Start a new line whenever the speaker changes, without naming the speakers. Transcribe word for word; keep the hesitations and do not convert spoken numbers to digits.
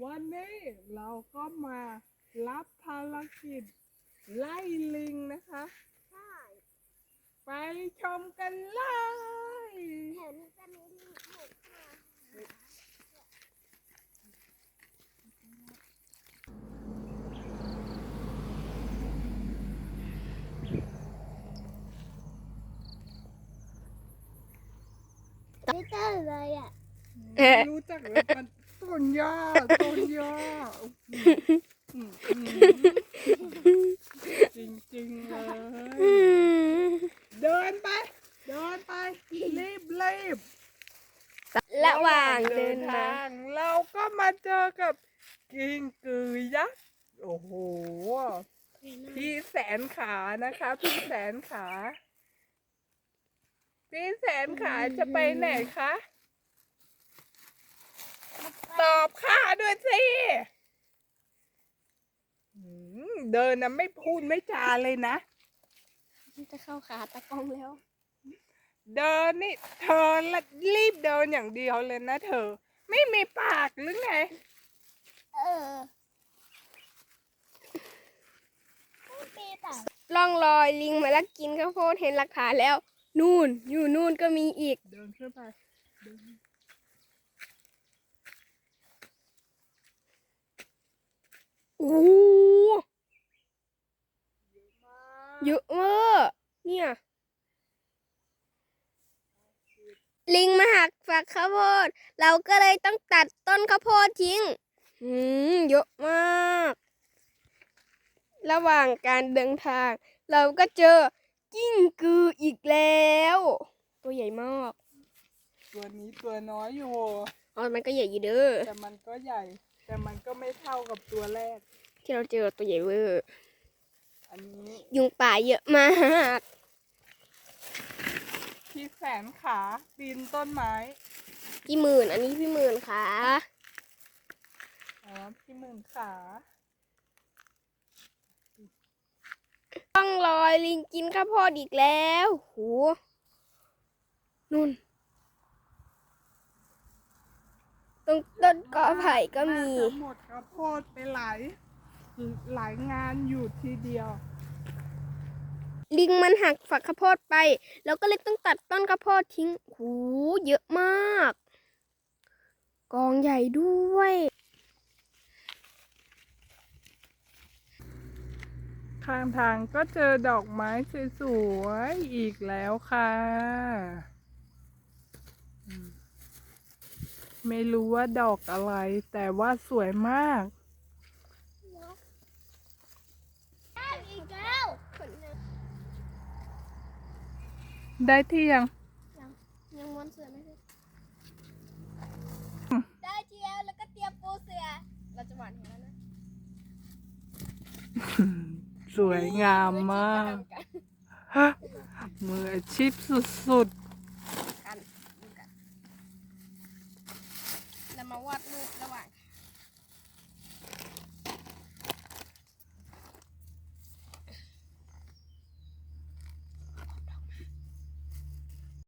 วันนี้เราก็มารับภารกิจไล่ลิงนะคะ
ใช่
ไปชมกันเลย
เห็นจะมีลิงบุกมาไม่เจอเลยอ่ะ
ไม่รู้จักเลยมันต้นย่าต้นย่าจริงๆเลยเดินไปเดินไปรีบรีบ
ระหว่างเดินทาง
เราก็มาเจอกับกิ้งกือยักษ์โอ้โหพี่แสนขานะคะพี่แสนขาพี่แสนขาจะไปไหนคะตอบข้าด้วยสิเดินนะไม่พูดไม่จาเลยนะ
จะเข้าขาตะกล้องแล้ว
เดินนี่เธอรีบเดินอย่างเดียวเลยนะเธอไม่มีปากหรือไง
เออไม่ปีแต่
ล่องลอยลิงมาแล้วกินข้าวโพดเห็นหลักฐานแล้ว นู่นอยู่นู่นก็มีอีก
เดินขึ้นไปเดิน
โอ้เยอะมากเนี่ยลิงมาหักฝักข้าวโพดเราก็เลยต้องตัดต้นข้าวโพดทิ้งอืมเยอะมากระหว่างการเดินทางเราก็เจอกิ้งกืออีกแล้วตัวใหญ่มาก
ตัวนี้ตัวน้อยอยู่
อ๋อมันก็ใหญ่อยู่เด้อ
แต่มันก็ใหญ่ แต่มันก็ไม่เท่ากับตัวแรก
ที่เราเจอตัวใหญ่เวอร์
อันนี้
ยุงป่าเยอะมาก
พี่แสนขาปีนต้นไม้
พี่หมื่นอันนี้พี่หมื่นค่ะ
อ๋อพี่หมื่นขา
ต้องลอยลิงกินข้าวโพดอีกแล้วโหนุ่นตรงต้นกอไผ่ก็มี
น่าจะหมดข้าวโพดไปหลายหลายงานอยู่ทีเดียว
ลิงมันหักฝักข้าวโพดไป แล้วก็เลยต้องตัดต้นข้าวโพดทิ้งโหเยอะมาก กองใหญ่ด้วย
ข้างทางก็เจอดอกไม้สวยๆอีกแล้วค่ะอืมไม่รู้ว่าดอกอะไร แต่ว่าสวยมาก
ได้อีกแล้ว
ได้ที่ยัง
ยังม้วนเสือไม่ได้
ได้ทีแล้วแล้วก็เตรียมปูเสือ
เราจะหวานเห็นแล้วนะ
สวยงามมากมืออาชีพสุด
กันดูกันเรามาวาดรูประหว่างท